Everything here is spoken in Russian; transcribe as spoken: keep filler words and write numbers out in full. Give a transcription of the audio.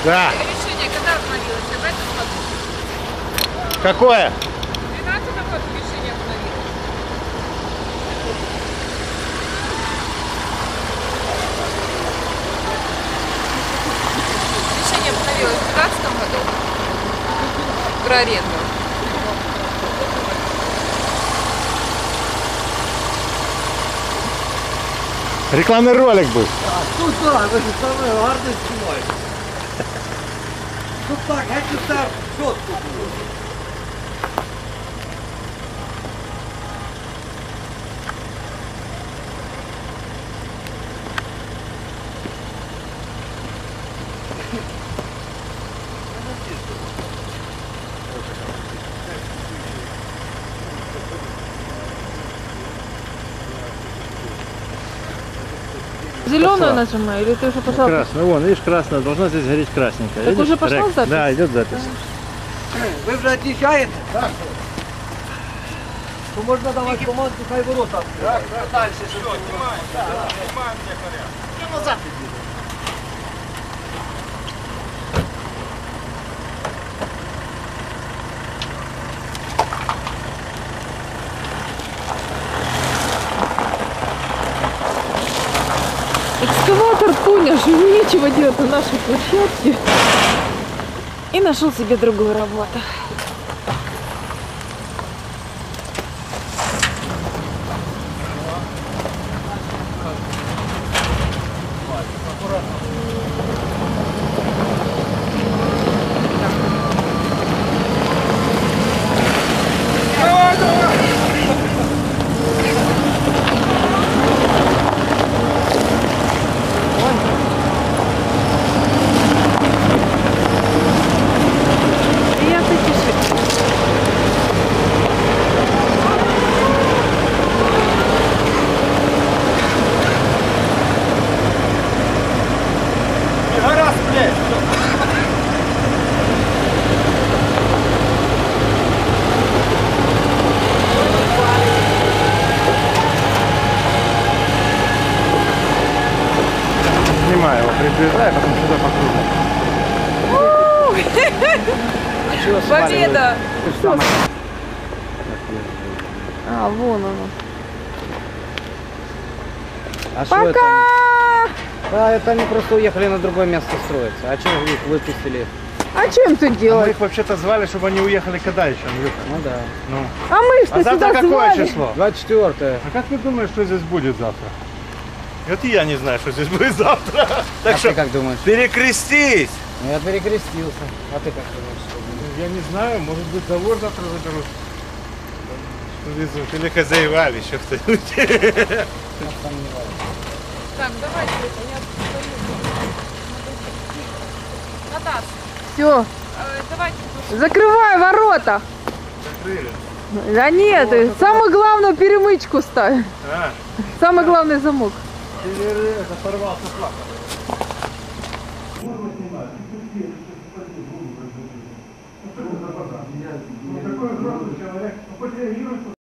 Да. Решение когда обновилось? В этом году? Какое? В двенадцатом году решение обновилось. Решение обновилось в двенадцатом году про аренду. Рекламный ролик был. А, тут да, ви ж саме гарно знімаєте. Тут так, геть все чітко було. Зеленую нажимаю, или ты уже пошел? Красный, вон, видишь, красная, должна здесь гореть красненькая. Так видишь? уже пошла Рек. запись? Да, идет запись. Ви вже від'їжджаєте? Так. То можна давати команду, хай ворота. Так, так. Далі, що знімаємо. Знімаємо, де порядок. Я назад підійду. Экскаватор понял, что ему нечего делать на нашей площадке. И нашел себе другую работу. Снимаю его, приближай, потом сюда покружим. Победа! А, вон оно. А что это? Пока! А, это они просто уехали на другое место строиться. А что их выпустили? А чем тут А мы делать? их вообще-то звали, чтобы они уехали когда еще, Андрюха? Ну да. Ну. А мы А что завтра сюда какое звали? число? двадцать четвёртое. А как ты думаешь, что здесь будет завтра? Вот и я не знаю, что здесь будет завтра. Так А что ты как думаешь? перекрестись! Ну, я перекрестился. А ты как думаешь? что будет? Я не знаю, может быть, завод завтра заберут. Везут. Или хозяевали еще кто-нибудь. Я сомневаюсь. Так, давайте, я Наташ, Все, э, давайте. закрывай ворота. Закрыли. Да нет, самое главное перемычку ставь. А, Самый главный замок. это порвался флаг. Такой взрослый человек,